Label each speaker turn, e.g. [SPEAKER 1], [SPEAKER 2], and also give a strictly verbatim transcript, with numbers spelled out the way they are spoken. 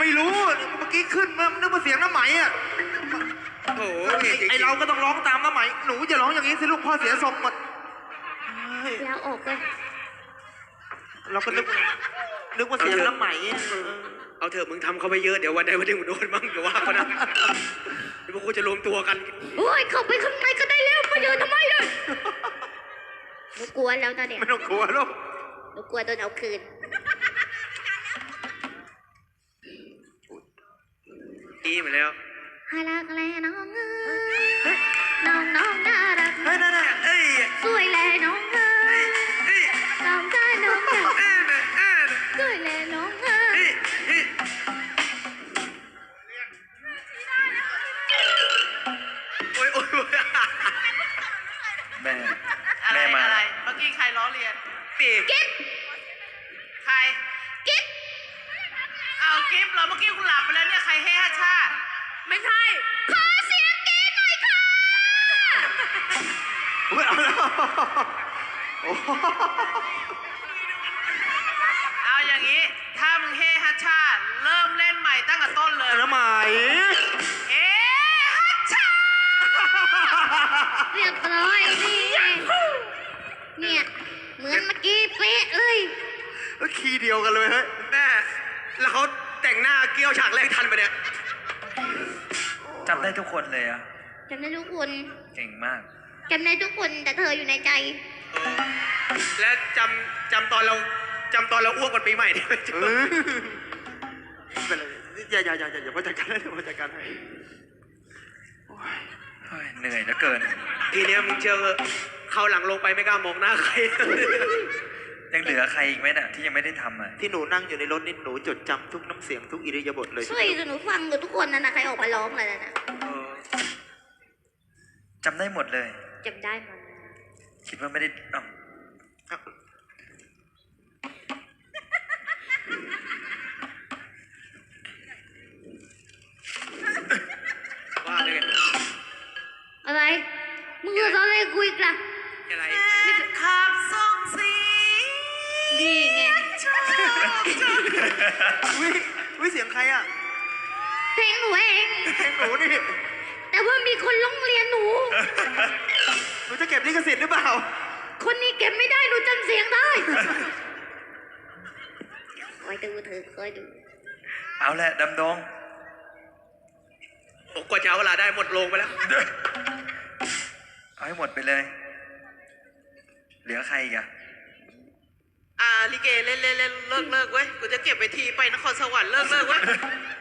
[SPEAKER 1] ไม่รู้เมื่อกี้ขึ้นมานึกว่าเสียงน้ำไหมอ่ะโอ้ไอเราก็ต้องร้องตามน้ำไหมหนูจะร้องอย่างนี้สิลูกพ่อเสียทรงหมด
[SPEAKER 2] แล้วออกเลย
[SPEAKER 1] เราก็นึกนึกว่าเสียงน้ำไหม
[SPEAKER 3] เอาเถอะมึงทำเขาไปเยอะเดี๋ยววันใดวันหนึ่งมึงโดนบ้างเดี๋ยวว่าเขานะเดี๋ยวพวกกูจะรวมตัวกัน
[SPEAKER 2] โอ้ยเข้าไปข้างในก็ได้แล้วมาเดินทำไมเลยหนูกลัวแล้วตอนเนี้ย
[SPEAKER 1] ไม่ต้องกลัวลูก
[SPEAKER 2] หนูกลัวโดนเอาคืน
[SPEAKER 3] ดีมาแล้ว
[SPEAKER 2] ฮารักแลน้องเอ้ยน้องน้องน่ารัก
[SPEAKER 1] เฮ้ยนั่นน่ะเอ้ย
[SPEAKER 2] สวยแลน้องเอ้ยน้องได้น้องได้สวยแลน้องเอ้ย
[SPEAKER 3] โอ้ยโอ้ย
[SPEAKER 4] แม่แม่มา
[SPEAKER 5] อะไรเมื่อกี้ใครล้อเลียน
[SPEAKER 3] ปี
[SPEAKER 2] กิ๊บ
[SPEAKER 5] ใคร
[SPEAKER 2] กิ๊บ
[SPEAKER 5] เอากิ๊บเหรอเมื่อกี้คุณหลับไปแล้วเนี่ยใครเฮ้ฮาชาไม่ใช่
[SPEAKER 2] ขอเสียงกิ๊บหน่อยค่ะ
[SPEAKER 1] เฮ้ยเอาแล้ว
[SPEAKER 5] เอาอย่างนี้ถ้ามึงเฮ้ฮัชชาเริ่มเล่นใหม่ตั้งแต่ต้นเลย
[SPEAKER 1] น้ำไหม
[SPEAKER 5] เฮ้ฮัชชา
[SPEAKER 2] เรียบร้อยนี่เนี่ยเหมือนเมื่อกี้เป๊ะเลย
[SPEAKER 1] ก็คีย์เดียวกันเลยเฮ้ย
[SPEAKER 3] แม่แล้วเขาแต่งหน้าเกี้ยวฉากแรกทันไปเนี่ย
[SPEAKER 4] จำได้ทุกคนเลยอะ
[SPEAKER 2] จำได้ทุกคน
[SPEAKER 4] เก่งมาก
[SPEAKER 2] จำได้ทุกคนแต่เธออยู่ในใจ
[SPEAKER 3] และจำจำตอนเราจำตอนเราอ้วกวันปีใหม่ได้ไหม
[SPEAKER 1] เป็นไรอย่าอย่าอย่าอย่าพ่อจัดการให้พ่อจัดการให้
[SPEAKER 4] เหนื่อยเหลือเกิน
[SPEAKER 3] ทีนี้มึงเชื่อเขาหลังลงไปไม่กล้ามองหน้าใคร
[SPEAKER 4] ยังเหลือใครอีกไหมน่ะที่ยังไม่ได้ทำอ่ะ
[SPEAKER 1] ที่หนูนั่งอยู่ในรถนี่หนูจดจำทุกน้ำเสียงทุกอิริยาบถเลย
[SPEAKER 2] ช่วยหนูฟังกับทุกคนนะนะใครออกมาร้องอะไรนะ
[SPEAKER 4] จำได้หมดเลย
[SPEAKER 2] จำได้หมด
[SPEAKER 4] คิดว่าไม่ได้อ้าว
[SPEAKER 3] ว่าเลย
[SPEAKER 2] อะไรมึงจะอะไรคุยกัน
[SPEAKER 3] อะไร
[SPEAKER 5] ขับส่งสี
[SPEAKER 2] ดีไง
[SPEAKER 1] วิวิเสียงใครอ่ะ
[SPEAKER 2] เพลงหนูเอง
[SPEAKER 1] เพลงหนูนี่
[SPEAKER 2] แต่ว่ามีคนร้องเรียนหนู
[SPEAKER 1] หนูจะเก็บลิขสิทธิ์หรือเปล่า
[SPEAKER 2] คนนี้เก็บไม่ได้หนูจำเสียงได้คอยดูเธอคอยดู
[SPEAKER 4] เอาแหละดำดง
[SPEAKER 3] บอกกว่าจะเอาเวลาได้หมดลงไปแล้ว
[SPEAKER 4] เอาให้หมดไปเลยเหลือใครอีกอะ
[SPEAKER 5] อ่าลิเกเล่นเล่นเล่นเลิกเลิกเว้ยกูจะเก็บไปทีไปนครสวรรค์เลิกเลิกเว้ย